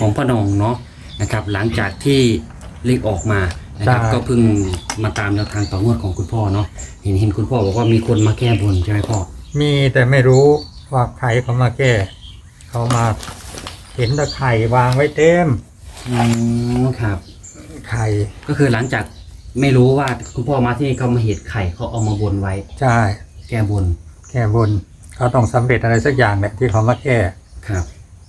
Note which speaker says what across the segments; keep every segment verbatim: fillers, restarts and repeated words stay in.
Speaker 1: ของพ่อหนองเนาะนะครับหลังจากที่เลขออกมานะครับก็เพิ่งมาตามแนวทางต่องวดของคุณพ่อเนาะเห็นเห็นคุณพ่อบอกว่ามีคนมาแก้บนใช่ไหมพ่อ
Speaker 2: มีแต่ไม่รู้ว่าใครเขามาแก้เขามาเห็นตะไคร่วางไว้เต็ม
Speaker 1: อืมครับ
Speaker 2: ไข่
Speaker 1: ก็คือหลังจากไม่รู้ว่าคุณพ่อมาที่นี่เขามาเห็นไข่เขาเอามาบนไว้
Speaker 2: ใช่
Speaker 1: แก้บน
Speaker 2: แก้บนเขาต้องสำเร็จอะไรสักอย่างเนี่ยที่เขามาแก้
Speaker 1: ครับ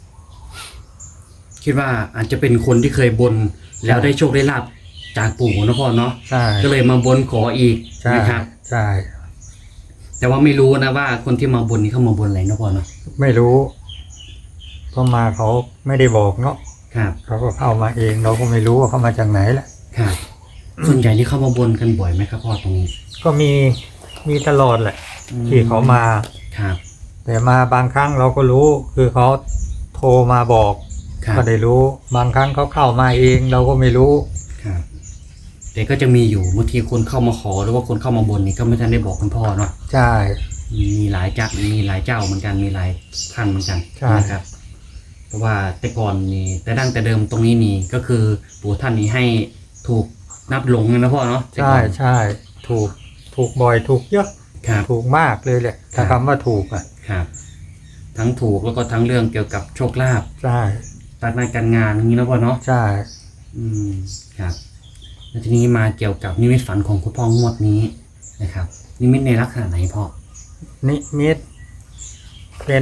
Speaker 1: คิดว่าอาจจะเป็นคนที่เคยบนแล้วได้โชคได้ลาภจากปู่นะพ่อเนาะ
Speaker 2: ใช่
Speaker 1: ก็เลยมาบนขออีกนะครับ
Speaker 2: ใช่
Speaker 1: แต่ว่าไม่รู้นะว่าคนที่มาบนนี้เขามาบนอะไรนะพ่อเนาะ
Speaker 2: ไม่รู้เพราะมาเขาไม่ได้บอกเนาะ
Speaker 1: ครับ
Speaker 2: เขาก็เข้ามาเองเราก็ไม่รู้ว่าเขามาจากไหนแหละ
Speaker 1: ครับส่วนใหญ่ที่เข้ามาบนกันบ่อยไหมครับพ่อตรงนี้
Speaker 2: ก็มีมีตลอดแหละที่เขามา
Speaker 1: ครับ
Speaker 2: แต่มาบางครั้งเราก็รู้คือเขาโทรมาบอกก็ได้รู้บางครั้งเขาเข้ามาเองเราก็ไม่รู้
Speaker 1: ครับแต่ก็จะมีอยู่บางทีคนเข้ามาขอหรือว่าคนเข้ามาบนนี่ก็ไม่ทันได้บอกคุณพ่อเนาะ
Speaker 2: ใช่
Speaker 1: มีหลายเจ้ามีหลายเจ้าเหมือนกันมีหลายท่านเหมือนกันนะครับเพราะว่าแต่ก่อนนี่แต่ดั้งแต่เดิมตรงนี้นี่ก็คือปู่ท่านนี้ให้ถูกนับหลงนะพ่อเนาะ
Speaker 2: ใช่ใช่ถูกถูกบ่อยถูกเยอะถูกมากเลยแหละถ้าคำว่าถูกอ่ะ
Speaker 1: ครับทั้งถูกแล้วก็ทั้งเรื่องเกี่ยวกับโชคลาภ
Speaker 2: ใช่
Speaker 1: การงานการงานอย่างนี้นะพ่อเนาะ
Speaker 2: ใช่
Speaker 1: อืมครับแล้วทีนี้มาเกี่ยวกับนิมิตฝันของคุณพ่องวดนี้นะครับนิมิตในลักษณะไหนพ่อ
Speaker 2: นิมิตเป็น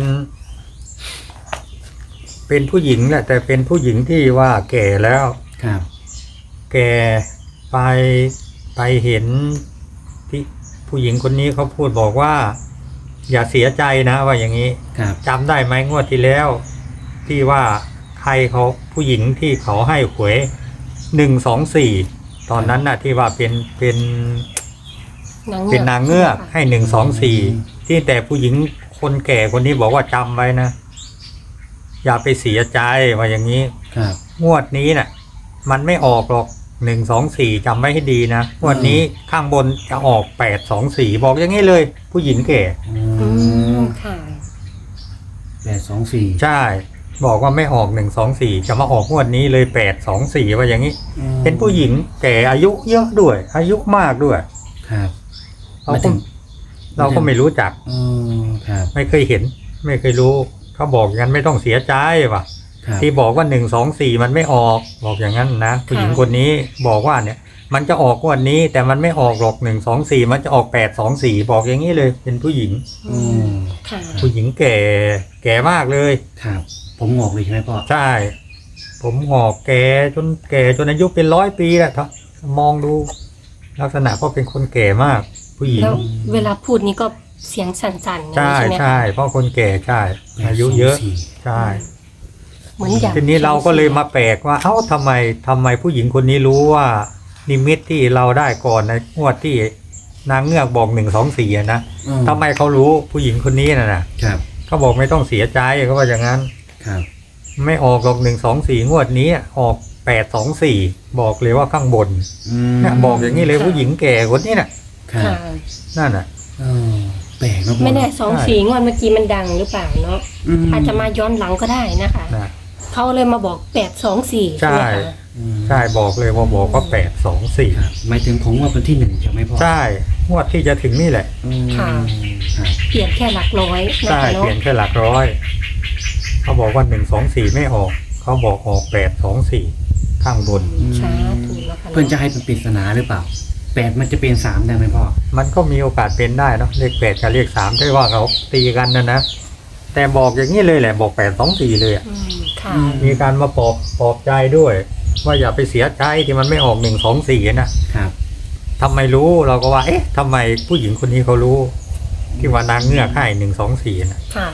Speaker 2: เป็นผู้หญิงแหละแต่เป็นผู้หญิงที่ว่าแก่แล้ว
Speaker 1: ครับ
Speaker 2: แก่ไปไปเห็นที่ผู้หญิงคนนี้เขาพูดบอกว่าอย่าเสียใจนะว่าอย่างนี้จำได้ไหมงวดที่แล้วที่ว่าใครเขาผู้หญิงที่เขาให้หวยหนึ่งสองสี่ตอนนั้นน่ะที่ว่าเป็นเป็นเป็นนางเงือกให้หนึ่งสองสี่ที่แต่ผู้หญิงคนแก่คนนี้บอกว่าจำไว้นะอย่าไปเสียใจว่าอย่างนี้งวดนี้น่ะมันไม่ออกหรอกหนึ่งสองสี่จำไว้ให้ดีนะงวดนี้ข้างบนจะออกแปดสองสี่บอกอย่างนี้เลยผู้หญิงแก่
Speaker 1: อืมค่ะแปดสองสี่
Speaker 2: ใช่บอกว่าไม่ออกหนึ่งสองสี่จะมาออกงวดนี้เลยแปดสองสี่ว่าอย่างนี้เป็นผู้หญิงแก่อายุเยอะด้วยอายุมากด้วย
Speaker 1: ครับ
Speaker 2: เราก็เราก็ไม่รู้จักไม่เคยเห็นไม่เคยรู้เขาบอกอย่างนั้นไม่ต้องเสียใจว่ะที่บอกว่าหนึ่งสองสี่มันไม่ออกบอกอย่างนั้นนะผู้หญิงคนนี้บอกว่าเนี่ยมันจะออกงวดนี้แต่มันไม่ออกหรอกหนึ่งสองสี่มันจะออกแปดสองสี่บอกอย่างนี้เลยเป็นผู้หญิงผู้หญิงแก่แก่มากเลย
Speaker 1: ครับผมงอกเลยใช่ไหมพ่อ
Speaker 2: ใช่ผมงอกแก่จนแก่จนอายุเป็นร้อยปีแหละครับมองดูลักษณะก็เป็นคนแก่มากผู้หญิง
Speaker 3: แล้วเวลาพูดนี้ก็เสียงสั่นๆ
Speaker 2: ใช่ใช่เพราะคนแก่ใช่อายุเยอะใช่
Speaker 3: เหมือนอย่าง
Speaker 2: ทีนี้เราก็เลยมาแปลกว่าเอ้าทำไมทำไมผู้หญิงคนนี้รู้ว่านิมิตที่เราได้ก่อนในงวดที่นางเงือกบอกหนึ่งสองสี่นะทำไมเขารู้ผู้หญิงคนนี้น่ะนะครับเขาบอกไม่ต้องเสียใจเขาว่าอย่างนั้น
Speaker 1: ครับ
Speaker 2: ไม่ออกหรอกหนึ่งสองสี่งวดนี้ออกแปดสองสี่บอกเลยว่าข้างบนเนี่ยบอกอย่างนี้เลยผู้หญิงแก่คนนี้น่ะนั่นน่ะ
Speaker 1: แปลกนะ
Speaker 3: ไม่แน่สองสี่งวดเมื่อกี้มันดังหรือเปล่าเนาะอาจจะมาย้อนหลังก็ได้นะคะเขาเลยมาบอกแปดสองสี่
Speaker 2: ใช่ใช่บอกเลยว่าบอกว่าแปดสองสี่
Speaker 1: หมายถึงของงวดวันที่หนึ่งใช่ไหมพ่อ
Speaker 2: ใช่งวดที่จะถึงนี่แหละ
Speaker 3: ค่ะเปลี่ยนแค่หลักร้อย
Speaker 2: ใช่เปลี่ยนแค่หลักร้อยเขาบอกว่าหนึ่งสองสี่ไม่ออกเขาบอกออกแปดสองสี่ข้างบน
Speaker 1: เพื่อนจะให้เป็นปริศนาหรือเปล่าแปดมันจะเป็นสามได้ไหมพ่อ
Speaker 2: มันก็มีโอกาสเป็นได้เนาะเลขแปดกับเลขสามได้ว่าเขาตีกันนะนะแต่บอกอย่างนี้เลยแหละบอกแปดสองสี่เลยอ่ะมีการมาปลอบปลอบใจด้วยว่าอย่าไปเสียใจที่มันไม่ออกหนึ่งสองสี่นะครับทำไมรู้เราก็ว่าเอ๊ะทำไมผู้หญิงคนนี้เขารู้ที่ว่านางเงือกให้หนึ่งสองสี่นะ
Speaker 3: ค่ะ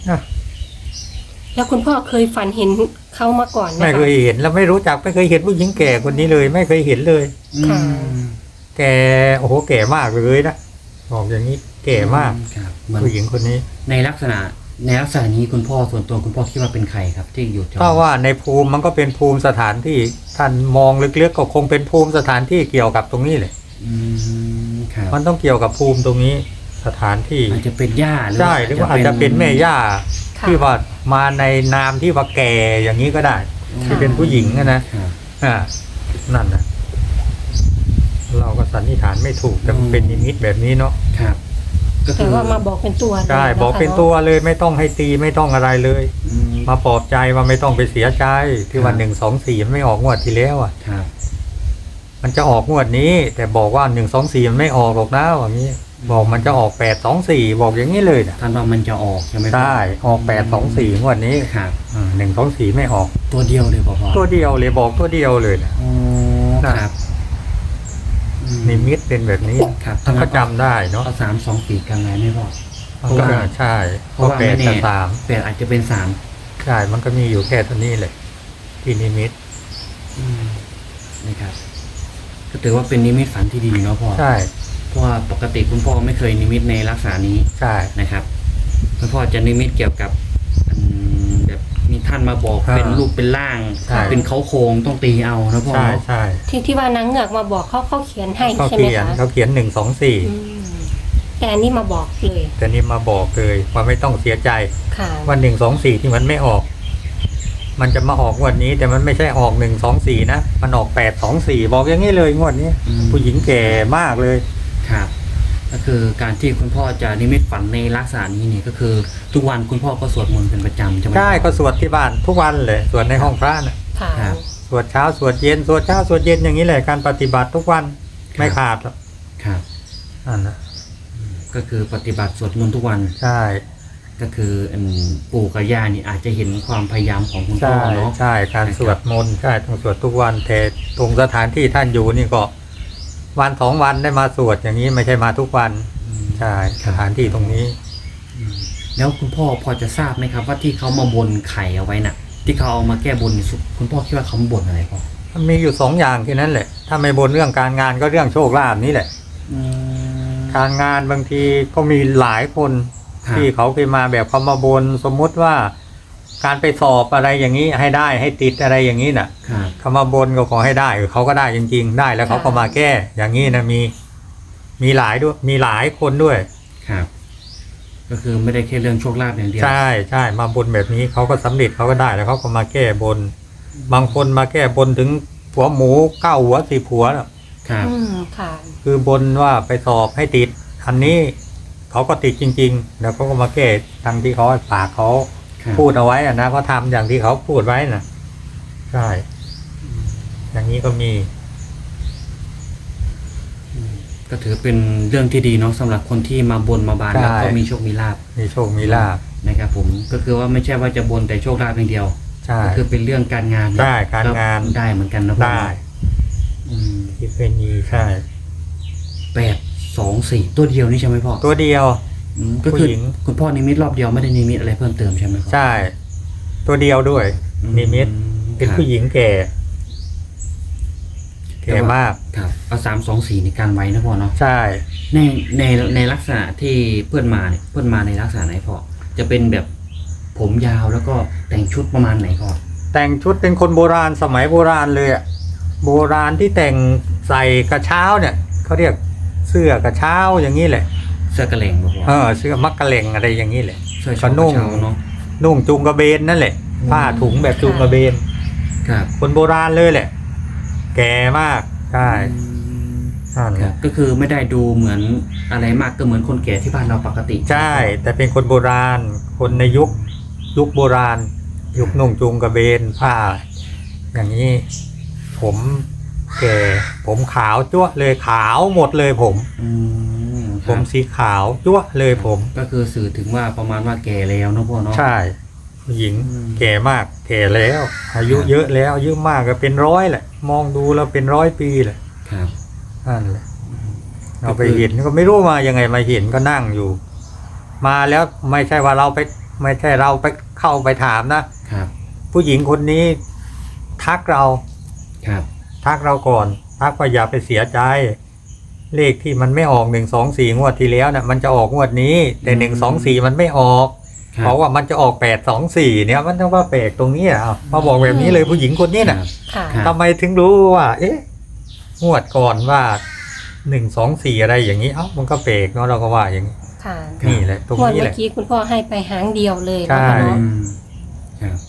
Speaker 3: แล้วคุณพ่อเคยฝันเห็นเขามาก่อนไหม
Speaker 2: ไม่เคยเห็นแล้วไม่รู้จักไม่เคยเห็นผู้หญิงแก่คนนี้เลยไม่เคยเห็นเลย
Speaker 3: ค่ะ
Speaker 2: แกโอ้โหแก่มากเลยนะบอกอย่างนี้แก่มากผู้หญิงคนนี้
Speaker 1: ในลักษณะในลักษณะนี้คุณพ่อส่วนตัวคุณพ่อคิดว่าเป็นใครครับที่อยู่
Speaker 2: ถ้าว่าในภูมิมันก็เป็นภูมิสถานที่ท่านมองลึกๆก็คงเป็นภูมิสถานที่เกี่ยวกับตรงนี้เลยมันต้องเกี่ยวกับภูมิตรงนี้สถานที่
Speaker 1: อาจจะเป็นย่า
Speaker 2: ใช่หรือว่าอาจจะเป็นแม่ย่าที่ว่ามาในนามที่ว่าแก่อย่างนี้ก็ได้ที่เป็นผู้หญิงอะนะอ่านั่นนะเราก็สันนิษฐานไม่ถูกแต่มันเป็นนิมิตแบบนี้เนาะ
Speaker 1: ครับก็คื
Speaker 3: แต่
Speaker 1: อ
Speaker 3: ว่ามาบอกเป็นตัว
Speaker 2: ใช่
Speaker 3: ลยะคะ
Speaker 2: บอกเป็นตัวเลยไม่ต้องให้ตีไม่ต้องอะไรเลย
Speaker 1: อืม
Speaker 2: มาปลอบใจว่าไม่ต้องไปเสียใจที่วัน
Speaker 1: ครับ
Speaker 2: หนึ่งสองสี่มันไม่ออกงวดที่แล้วอ่ะ
Speaker 1: ครับ
Speaker 2: มันจะออกงวดนี้ แต่บอกว่าหนึ่งสองสี่มันไม่ออกหรอกนะอย่างนี้ บอกมันจะออกแปดสองสี่บอกอย่างนี้เลยนะ
Speaker 1: ท่านว่ามันจะออกใช่ไหมพ่อ
Speaker 2: ใช่ออกแปดสองสี่งวดนี้
Speaker 1: ครับ
Speaker 2: หนึ่งสองสี่ไม่ออก
Speaker 1: ตัวเดียวเลยพ่อพ่อ
Speaker 2: ตัวเดียวเลยบอกตัวเดียวเลยนะ
Speaker 1: อ๋อ
Speaker 2: น่ะ
Speaker 1: ครับอื
Speaker 2: นิมิตเป็นแบบนี้
Speaker 1: ครับ
Speaker 2: ท่านก็จำได้เนาะ
Speaker 1: เอาสามสองสี่กันไหนไม่พ่อ
Speaker 2: มันก็ใช่เพ
Speaker 1: เพราะ
Speaker 2: ราะ
Speaker 1: ว่า
Speaker 2: แป
Speaker 1: ไม่
Speaker 2: ด
Speaker 1: แน่
Speaker 2: กับสาม
Speaker 1: แปดอาจจะเป็นสาม
Speaker 2: ใช่มันก็มีอยู่แค่ตัวนี้เลยที่นิมิต
Speaker 1: อืมนะครับ ก็ถือว่าเป็นนิมิตฝันที่ดีเนาะพ่อ
Speaker 2: ใช่
Speaker 1: เพราะว่าปกติคุณพ่อไม่เคยนิมิตในลักษณะนี้
Speaker 2: ใช่
Speaker 1: นะครับคุณพ่อจะนิมิตเกี่ยวกับอืมแบบมีท่านมาบอกเป็นรูปเป็นร่าง เป็นเขาโครงต้องตีเอานะพ่อ
Speaker 2: ใช่
Speaker 1: เนาะ
Speaker 2: ใช่
Speaker 3: ที่ที่ว่านางเงือกมาบอกเขาเขาเขียนให้
Speaker 2: เขา
Speaker 3: ใช่ไหม
Speaker 2: เขียน
Speaker 3: คะ
Speaker 2: เขาเขียนหนึ่งสองสี่
Speaker 3: อืมแต่อันนี้มาบอกเลย
Speaker 2: แต่นี่มาบอกเลยว่าไม่ต้องเสียใจ
Speaker 3: ค่ะ
Speaker 2: วันหนึ่งสองสี่ที่มันไม่ออก มันจะมาออกงวดนี้ แต่มันไม่ใช่ออกหนึ่งสองสี่นะมันออกแปดสองสี่บอกอย่างนี้เลยงวดนี้
Speaker 1: อืม
Speaker 2: ผู้หญิงแก่มากเลย
Speaker 1: ครับ ก็คือการที่คุณพ่อจะนิมิตฝันในลักษณะนี้นี่ก็คือ ทุกวันคุณพ่อก็สวดมนต์เป็นประจำใช่ไหม
Speaker 2: ใช่ก็สวดที่บ้านทุกวันเลยสวดในห้องพระนะ
Speaker 3: ค่ะ
Speaker 1: ครับ
Speaker 2: สวดเช้าสวดเย็นสวดเช้าสวดเย็นอย่างนี้แหละการปฏิบัติทุกวันไม่ขาดหรอก
Speaker 1: ครับ
Speaker 2: นั่นนะ
Speaker 1: ก็คือปฏิบัติสวดมนต์ทุกวัน
Speaker 2: ใช่
Speaker 1: ก็คืออันปู่กับย่านี่อาจจะเห็นความพยายามของคุณพ่อ
Speaker 2: ใช่
Speaker 1: เนาะ
Speaker 2: ใช่การสวดมนต์ใช่ต้องสวดทุกวันแต่ตรงสถานที่ท่านอยู่นี่ก็ วันสองวันได้มาสวดอย่างนี้ไม่ใช่มาทุกวัน
Speaker 1: อืม
Speaker 2: ใช่สถานที่ตรงนี้
Speaker 1: อืมแล้วคุณพ่อพอจะทราบไหมครับว่าที่เขามาบนไข่เอาไว้น่ะ ที่เขาเอามาแก้บนนี่สุคุณพ่อคิดว่าเขามาบนอะไรพ่อ
Speaker 2: มันมีอยู่สองอย่างแค่นั้นแหละ ถ้าไม่บนเรื่องการงานก็เรื่องโชคลาภนี่แหละ
Speaker 1: อืม
Speaker 2: การงานบางทีก็มีหลายคน
Speaker 1: ครับ
Speaker 2: ที่เขาเคยมาแบบเขามาบนสมมุติว่า การไปสอบอะไรอย่างนี้ให้ได้ให้ติดอะไรอย่างนี้น่ะ
Speaker 1: ครับ
Speaker 2: เขามาบนก็ขอให้ได้เขาก็ได้จริงๆ ได้แล้วเขาก็มาแก้ อย่างนี้นะมีมีหลายด้วยมีหลายคนด้วย
Speaker 1: ครับ ก็คือไม่ได้แค่เรื่องโชคลาภอย่างเดียว
Speaker 2: ใช่ใช่มาบนแบบนี้เขาก็สำเร็จเขาก็ได้แล้วเขาก็มาแก้บน บางคนมาแก้บนถึงหัวหมูเก้าหัวสิบหัวน่ะ
Speaker 1: ครับ
Speaker 3: อืมค่ะ
Speaker 2: คือบนว่าไปสอบให้ติดอันนี้เขาก็ติดจริงๆ แล้วเขาก็มาแก้ทางที่เขาปากเขา
Speaker 1: ครับ
Speaker 2: พูดเอาไว้อะนะเขาทำอย่างที่เขาพูดไว้น่ะใช่อย่างนี้ก็มี
Speaker 1: ก็ถือเป็นเรื่องที่ดีเนาะสำหรับคนที่มาบนมาบานแล้วก็มีโชคมีลาภ
Speaker 2: มีโชคมีลาภ
Speaker 1: นะครับผมก็คือว่าไม่ใช่ว่าจะบนแต่โชคลาภอย่างเดียว
Speaker 2: ใช่
Speaker 1: ก็คือเป็นเรื่องการงาน
Speaker 2: ใช่การงาน
Speaker 1: ได้เหมือนกันนะพ่อ
Speaker 2: ได้
Speaker 1: อืม
Speaker 2: ที่เคยมีใช่
Speaker 1: แปดสองสี่ตัวเดียวนี่ใช่ไหมพ่อ
Speaker 2: ตัวเดียว
Speaker 1: อืมก็คือ
Speaker 2: ผู้หญิง
Speaker 1: คุณพ่อนิมิตรอบเดียวไม่ได้นิมิตอะไรเพิ่มเติมใช่ไหมพ่อ
Speaker 2: ใช่ ตัวเดียวด้วย
Speaker 1: อื
Speaker 2: นิมิตเป็น
Speaker 1: ครับ
Speaker 2: ผู้หญิงแก่แก่มาก
Speaker 1: ครับเอาสามสองสี่ในการไว้นะพ่อเนาะ
Speaker 2: ใช่
Speaker 1: ในในในลักษณะที่เพื่อนมาเนี่ยเพื่อนมาในลักษณะไหนพ่อจะเป็นแบบผมยาวแล้วก็แต่งชุดประมาณไหนพ่อ
Speaker 2: แต่งชุดเป็นคนโบราณสมัยโบราณเลยอะโบราณที่แต่งใส่กระเช้าเนี่ยเขาเรียกเสื้อกระเช้าอย่างนี้แหละ
Speaker 1: เสื้อกระเหล่งบ่พ่อ
Speaker 2: เออเสื้อมักกะเหล่งอะไรอย่างนี้แหละ
Speaker 1: เสื้อ
Speaker 2: ก็
Speaker 1: ช็อป
Speaker 2: นุ่ง
Speaker 1: เช้าเนาะ
Speaker 2: นุ่งจูงกระเบนนั่นแหละ ผ้าถุงแบบจูงกระเบน
Speaker 1: ครับ
Speaker 2: คนโบราณเลยแหละ แก่มากใช่นั่น
Speaker 1: ค
Speaker 2: แห
Speaker 1: รับ
Speaker 2: ละ
Speaker 1: ก็คือไม่ได้ดูเหมือนอะไรมากก็เหมือนคนแก่ที่บ้านเราปกติ
Speaker 2: ใช่ แต่เป็นคนโบราณ คนในยุคยุคโบราณ ยุคนุ่งจูงกระเบนผ้า อย่างนี้ ผมแก่ ผมขาวจั๊วะเลยขาวหมดเลยผม
Speaker 1: อืมค
Speaker 2: ผ
Speaker 1: รับ
Speaker 2: มสีขาวจั๊วะเลยผม
Speaker 1: ก็คือสื่อถึงว่าประมาณว่าแก่แล้วเนาะพ่อเนาะ
Speaker 2: ใช่ผู้หญิง
Speaker 1: อืม
Speaker 2: แก่มาก แก่แล้ว อายุ
Speaker 1: ครับ
Speaker 2: เยอะแล้วอายุมากก็เป็นร้อยแหละ มองดูแล้วเป็นร้อยปีแหละ
Speaker 1: ครับ
Speaker 2: นั่นแหละเราไปเห็นก็ไม่รู้มายังไงมาเห็นก็นั่งอยู่ มาแล้วไม่ใช่ว่าเราไป ไม่ใช่เราไปเข้าไปถามนะครับ ผู้หญิงคนนี้ ทักเรา
Speaker 1: ครับ
Speaker 2: ทักเราก่อน ทักว่าอย่าไปเสียใจ เลขที่มันไม่ออกหนึ่งสองสี่งวดที่แล้วน่ะ มันจะออกงวดนี้ แต่หนึ่งสองสี่มันไม่ออก
Speaker 1: ครับ
Speaker 2: เพราะว่ามันจะออกแปดสองสี่เนี่ยมันต้องว่าแปลกตรงนี้อ่ะเอามาบอกแบบนี้เลยผู้หญิงคนนี้น่ะ
Speaker 3: ค่ะ
Speaker 1: ครับ
Speaker 2: ทำไมถึงรู้ว่า เอ๊ะงวดก่อนว่าหนึ่งสองสี่อะไรอย่างนี้เอ้ามันก็แปลกเนาะเราก็ว่าอย่างนี้
Speaker 3: ค่ะ
Speaker 2: นี่แหละตรง
Speaker 3: งวด
Speaker 2: นี้
Speaker 3: เมื่
Speaker 2: แห
Speaker 3: อ
Speaker 2: ละ
Speaker 3: กี้คุณพ่อให้ไปหางเดียวเลย
Speaker 2: ใช่
Speaker 3: นะคะเนาะ
Speaker 1: อืมครับ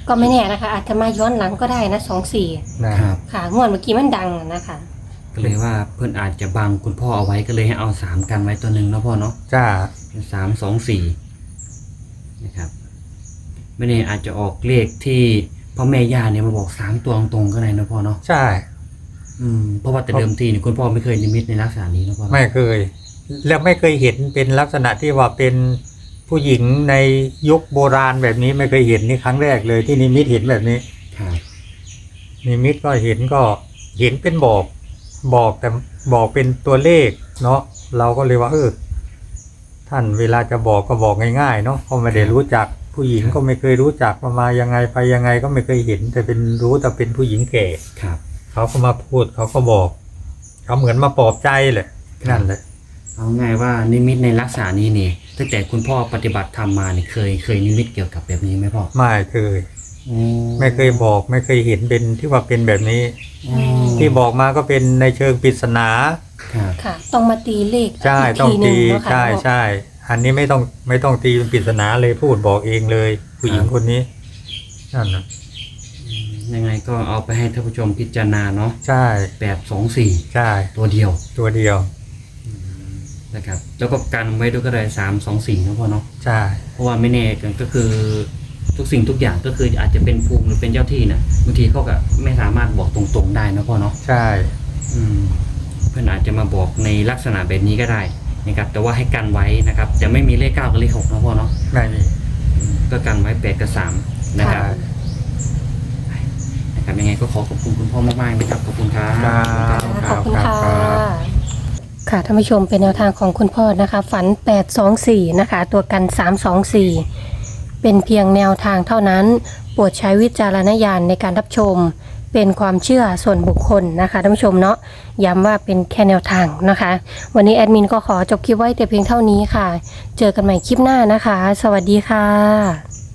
Speaker 3: ก็ไม่แน่นะคะ อาจจะมาย้อนหลังก็ได้นะสองสี่
Speaker 2: นะครับ
Speaker 3: ค่ะงวดเมื่อกี้มันดังนะคะ
Speaker 1: ก็เลยว่าเพื่อนอาจจะบังคุณพ่อเอาไว้ก็เลยให้เอาสามกันไว้ตัวหนึ่งเนาะพ่อเนาะ
Speaker 2: จ้า
Speaker 1: เป็นสามสองสี่นะครับไม่แน่อาจจะออกเลขที่พ่อแม่ย่าเนี่ยมาบอกสามตัวตรงๆก็ได้นะพ่อเนาะ
Speaker 2: ใช่
Speaker 1: อืมเพราะว่าแต่เดิมทีเนี่ยคุณพ่อไม่เคยนิมิตในลักษณะนี้นะพ่อ
Speaker 2: ไม่เคย แล้วไม่เคยเห็นเป็นลักษณะที่ว่าเป็นผู้หญิงในยุคโบราณแบบนี้ไม่เคยเห็นนี่ครั้งแรกเลยที่นิมิตเห็นแบบนี้
Speaker 1: ครับ
Speaker 2: นิมิตก็เห็นก็เห็นเป็นบอกบอกแต่บอกเป็นตัวเลขเนาะเราก็เลยว่าเออท่านเวลาจะบอกก็บอกง่ายๆเนาะเพราะไม่ได้รู้จักผู้หญิงก็ไม่เคยรู้จักมามายังไงไปยังไงก็ไม่เคยเห็น แต่เป็นรู้แต่เป็นผู้หญิงแก่
Speaker 1: ครับ
Speaker 2: เขาก็มาพูดเขาก็บอกเขาเหมือนมาปลอบใจเลยนั่นแหละ
Speaker 1: เอาง่ายว่านิมิตในลักษณะนี้นี่ตั้งแต่คุณพ่อปฏิบัติธรรมมาเนี่ยเคยเคยนิมิตเกี่ยวกับแบบนี้ไหมพ่อ
Speaker 2: ไม่เคย
Speaker 1: อืม
Speaker 2: ไม่เคยบอกไม่เคยเห็นเป็นที่ว่าเป็นแบบนี้
Speaker 1: อืม
Speaker 2: ที่บอกมาก็เป็นในเชิงปริศนา
Speaker 1: ครับ
Speaker 3: ค่ะ ต้องมาตีเลข
Speaker 2: ใช่
Speaker 3: ก
Speaker 2: ต้อง
Speaker 3: ทีหนึ่
Speaker 2: ตี
Speaker 3: เนาะค่ะ
Speaker 2: ใช่ใช่อันนี้ไม่ต้องไม่ต้องตีเป็นปริศนาเลยพูดบอกเองเลย ผู้หญิงคนนี้นั่นนะ
Speaker 1: ยังไงก็เอาไปให้ท่านผู้ชมพิจารณาเนาะ
Speaker 2: ใช่
Speaker 1: แปดสองสี่
Speaker 2: ใช่
Speaker 1: ตัวเดียว
Speaker 2: ตัวเดียว
Speaker 1: นะครับแล้วก็กันไว้ด้วยก็ได้สามสองสี่นะพ่อเนาะ
Speaker 2: ใช่
Speaker 1: เพราะว่าไม่แน่กันก็คือทุกสิ่งทุกอย่างก็คืออาจจะเป็นภูมิหรือเป็นเจ้าที่น่ะบางทีเขาก็ไม่สามารถบอกตรงๆได้นะพ่อเนาะ
Speaker 2: ใช่
Speaker 1: อืมเพื่อนอาจจะมาบอกในลักษณะแบบนี้ก็ได้นะครับแต่ว่าให้กันไว้นะครับจะไม่มีเลขเก้ากับเลขหกนะพ่อเนาะ
Speaker 2: ไม่มี
Speaker 1: อืมก็กันไว้แปดกับสามนะครับ
Speaker 2: ใช่
Speaker 1: นะครับยังไงก็ขอขอบคุณคุณพ่อมากๆนะครับขอบคุณครับ
Speaker 2: ครับ
Speaker 3: ขอบคุณ
Speaker 2: ครั
Speaker 3: ค่ะ
Speaker 2: บครับ
Speaker 3: ค่ะท่านผู้ชมเป็นแนวทางของคุณพ่อนะคะ ฝันแปดสองสี่นะคะ ตัวกันสามสองสี่เป็นเพียงแนวทางเท่านั้นโปรดใช้วิจารณญาณในการรับชม เป็นความเชื่อส่วนบุคคลนะคะท่านผู้ชมเนาะย้ำว่าเป็นแค่แนวทางนะคะ วันนี้แอดมินก็ขอจบคลิปไว้แต่เพียงเท่านี้ค่ะ เจอกันใหม่คลิปหน้านะคะ สวัสดีค่ะ